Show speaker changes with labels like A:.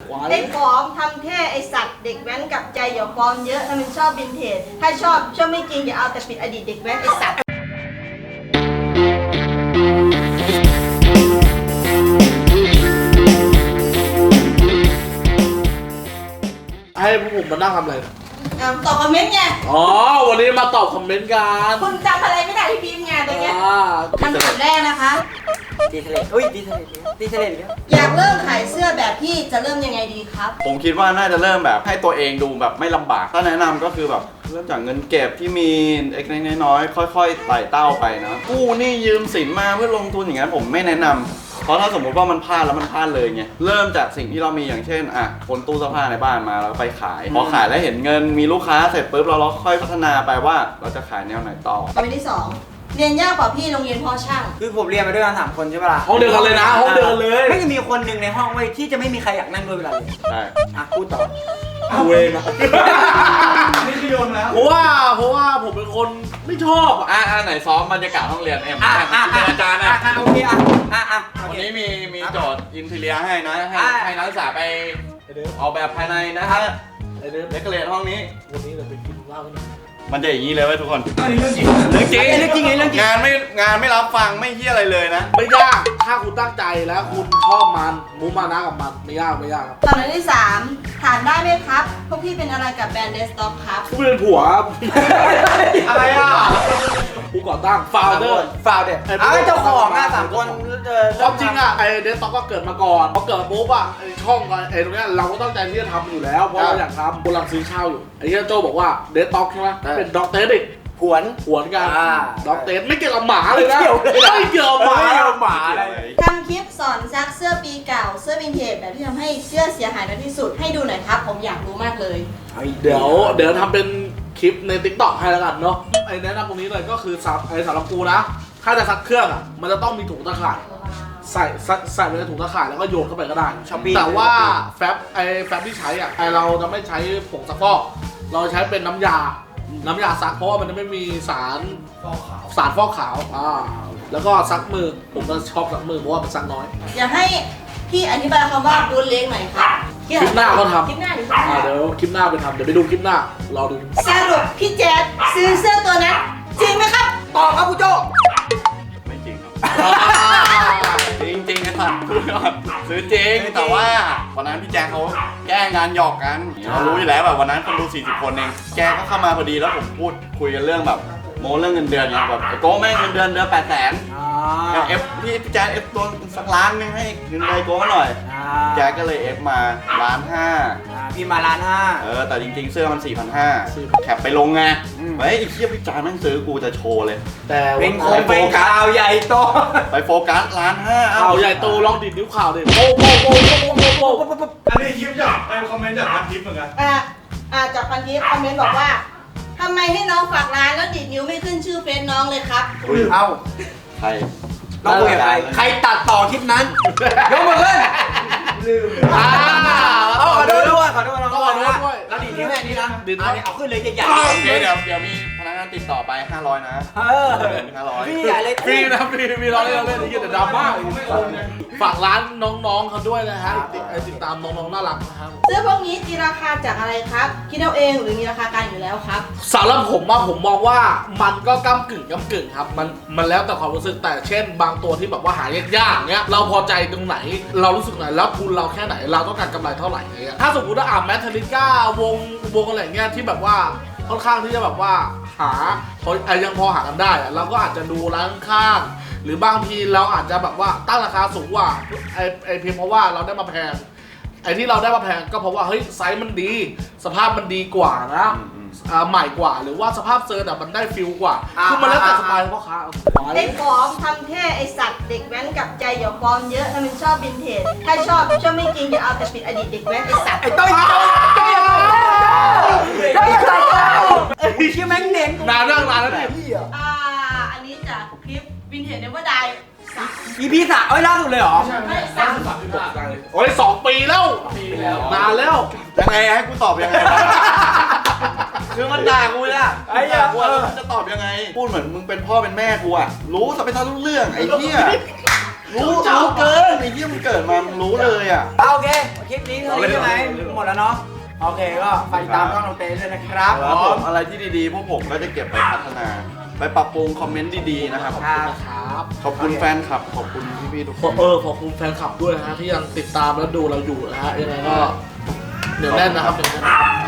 A: ไอ้ปลอมทำเท่ไอ้สัตว์เด็กแว้นกับใจอย่าปลอมเยอะถ้ามันชอบวินเทจถ้าชอบไม่จริงอย่าเอาแต่ปิดอดีตเด็กแว้นไอ้สัตว์
B: ให้พวกผมมานั่งทำอะไร
A: ตอบคอมเมนต์ไง
B: อ๋อวันนี้มาตอบคอมเมนต์กัน
A: คุณจำอะไรไม่ได้ที่พิมพ์ไงตรงเนี้ยคำถามแรกนะคะ
C: ดีเทเลอุ้ยดีเทเลดีเทเลอีกแล้ว
A: อยากเริ่มขายเสื้อแบบพี่จะเริ่มยังไงดีครับ
D: ผมคิดว่าน่าจะเริ่มแบบให้ตัวเองดูแบบไม่ลำบากถ้าแนะนำก็คือแบบเริ่มจากเงินเก็บที่มีเล็กๆน้อยๆค่อยๆไต่เต้าไปนะกู้หนี้ยืมสินมาเพื่อลงทุนอย่างนั้นผมไม่แนะนำเพราะถ้าสมมติว่ามันพลาดแล้วมันพลาดเลยไงเริ่มจากสิ่งที่เรามีอย่างเช่นคนตู้เสื้อผ้าในบ้านมาแล้วไปขายพอขายแล้วเห็นเงินมีลูกค้าเสร็จปุ๊บเราค่อยพัฒนาไปว่าเราจะขายแนวไหนต่อ
A: คำที่ 2เรียนยากกว่าพี่โรงเรียนพ่อช่าง
C: คือผมเรียนมาด้วยกัน3 คนใช่ปะล่ะ
B: ห้องเดียวกันเลยนะห้องเดียวกันเลย
C: ไม่มีคนหนึ่งในห้องไว้ที่จะไม่มีใครอยากนั่งด้วยเวลาเรียน
D: ใช่
C: พูดต่อ
B: เอาเองอะ
D: นี่คือโยนแล้ว
B: เพราะว่าผมเป็นคนไม่ชอบ
D: ไหนซ้อมบรรยากาศห้องเรียนเป็นอาจารย์
C: โอเค
D: วันนี้มีโจทย์อินทีเรียให้นะให้นักศึกษาไปออกแบบภายในนะฮะเดคอเรทห้องนี้
B: วันนี้เราไปกินเหล้ากัน
D: มันจะอย่างนี้เลยเว้ยทุกคน
C: เรื่องจริง
D: งานไม่รับฟังไม่เฮี้ยอะไรเลยนะ
B: ไม่ยากถ้าคุณตั้งใจแล้วคุณชอบมันมุ่งมานะกับมันไม่ยากครับ
A: คำที่ 3ถามได้ไหมครับพวกพี่เป็นอะไรกับแบรนด์เดสต็อกครับ
B: กูเป็นผัว
D: อะไร
B: กูก่อตั้งฟาวเดอร์
C: เจ้าของ3 คน
B: ความจริงไอเดสต็อกก็เกิดมาก่อนพอเกิดปุ๊บไอช่องไอตรงนี้เราก็ตั้งใจที่จะทำอยู่แล้วเพราะเราอยากทำกำลังซื้อเช่าอยู่ไอ้ที่โจบอกว่าเดสต็อกใช่ไหมเป็นด็อกเตอร์ดิ
C: หวน
B: กันด็อกเตอร์ไม่เกี่ยวกับหมาเลยนะไม่เกี่ยวกับหมา
A: ทำคลิปสอนซักเสื้อปีเก่าเสื้อวินเทจแบบที่ทำให้เสื้อเสียหายน้อยที่สุดให้ดูหน่อยครับผมอยากรู้มากเลย
B: เดี๋ยวทำเป็นคลิปใน TikTok ให้แล้วกันเนาะไอ้แนะนำตรงนี้เลยก็คือสำหรับกูนะถ้าจะซักเครื่องมันจะต้องมีถุงตะข่ายใส่ไปในถุงตะข่ายแล้วก็โยนเข้าไปก็ได้แต่ว่าแฟบที่ใช้เราจะไม่ใช้ผงซักฟอกเราใช้เป็นน้ำยาซักเพราะว่ามันจะไม่มีสารฟอกขาวแล้วก็ซักมือผมก็ชอบซักมือเพราะว่ามันซักน้อย
A: อยากให้พี่อธิบายคำว่าบูทเล็กหน่อยครับ
B: คลิปหน้าเขาทำ
A: คลิปหน้าเ
B: ดี๋ยวคลิปหน้าไปทำเดี๋ยวไปดูคลิปหน้ารอดู
A: สรุปพี่แจ๊ดซื้อเสื้อตัวนั้นจริงไหมครับ
C: ตอบครับคุณโจ
D: ไม่จริงครับจริงนะครับซื้อจริงแต่ว่าวันนั้นพี่แจ๊คเขาแก้งานหยอกกันเรารู้อยู่แล้วแบบวันนั้นคนดู40 คนเองแกก็เข้ามาพอดีแล้วผมพูดคุยกันเรื่องแบบโม้เรื่องเงินเดือนไงแบบโก้แม่งเงินเดือน800,000พี่แจ๊คตัวสักล้านนึงให้เงินเลยโก้หน่อยแจ๊คก็เลยมา1.5 ล้าน
C: พี่มา1.5 ล้าน
D: แต่จริงๆเสื้อมัน4,500แคปไปลงไงไอ้เหี้ยพี่แจ๊คแม่งซื้อกูจะโชว์เลย
B: แต่
C: เป็นโฟกัสใหญ่โต
D: ไปโฟกัส1.5 ล้าน
B: ข่าวใหญ่โตลองดิดนิ้วข่าวดิโป๊ะ
D: อันนี้คลิปจากคอมเมนต์จากพันทิปเหมือนกัน
A: จากพันทิปคอมเมนต์บอกว่าทำไมให้น้องฝากร้านแล้วดิดนิ้วไม่ขึ้นชื่อเฟซน้องเลยครับ
D: ใคร
C: น้องคุยกับใครตัดต่อคลิปนั้นยกมือขึ้นลืมขอโทษด้วยแล้วดีนี้แม่นี้นะเอาขึ้นเลยใหญ่
D: ๆเดี๋ยวมีพนักงานติดต่อไป500นะ500
C: พี่ใหญ่เลย
B: ฟรีนะฟรีมีร้อยเล่นแต่ดราม่าฝากร้านน้องๆเขาด้วยนะฮะติดตามน้องๆน่ารักนะครับ
A: เสื้อพวกนี้ตีราคาจากอะไรครับคิดเอาเองหรือมีราคากลางอยู่แล้วครับ
B: สำหรับผมมองว่ามันก็ก้ำกึ่งครับมันแล้วแต่ความรู้สึกแต่เช่นบางตัวที่แบบว่าหายากๆเนี้ยเราพอใจตรงไหนเรารู้สึกไหนแล้วทุนเราแค่ไหนเราต้องการกำไรเท่าไหร่เงี้ยถ้าสมมติว่าแมทริก้าวงอะไรเงี้ยที่แบบว่าค่อนข้างที่จะแบบว่ายังพอหากันได้เราก็อาจจะดูร้านข้างหรือบางทีเราอาจจะแบบว่าตั้งราคาสูงกว่าเพียงเพราะว่าเราได้มาแพงที่เราได้มาแพงก็เพราะว่าเฮ้ยไซส์มันดีสภาพมันดีกว่านะใหม่กว่าหรือว่าสภาพเซอร์มันได้ฟิลกว่าคือมันแล้วแต่สไตล์พ่อค้า
A: ไอ้ปลอมทำเท่ไอ้สัตว์เด็กแว้นกับใจอย่าปลอมเยอะถ้ามันชอบวินเทจถ้าชอบไม่จริงอย่าเอาแต่ปิดอดีตเด็กแว้นไอ้สัตว์
C: ไอ้ต้อยชื่อแม่งเน้น
B: นานแล้วดิ
A: อันนี้จากคลิปวินเทจเนเวอร์ได
C: EP 3ล่าสุดเลยเหรอ
A: ไม่
B: โอ้ย2 ปีแล้วนานแล้ว
D: ยังไงให้กูตอบยังไงคือมันด่ากูอะไอ้กูจะตอบยังไงพูดเหมือนมึงเป็นพ่อเป็นแม่กูอะรู้แต่ไม่ทันรู้เรื่องไอ้เหี้ยรู้เกินไอ้เหี้ยมันเกิดมามึงรู้เลยอ่ะ
C: โอเคคลิปนี้เท่านี้ใช่ไหมหมดแล้วเนาะโอเคก็ฝากติดตามช่องน้องเต้ด้วยนะครับ
D: ครับผมอะไรที่ดีๆพวกผมก็จะเก็บไปพัฒนา ไปปรับปรุงคอมเมนต์ดีๆนะครับ
B: นะครับ
D: ขอบคุณแฟนคลับ ขอบคุณพี่ๆทุกคน
B: ขอบคุณแฟนคลับด้วยนะฮะที่ยังติดตามและดูเราอยู่นะฮะยังไงก็เดี๋ยวแน่นนะครับเดี๋ยวแน่น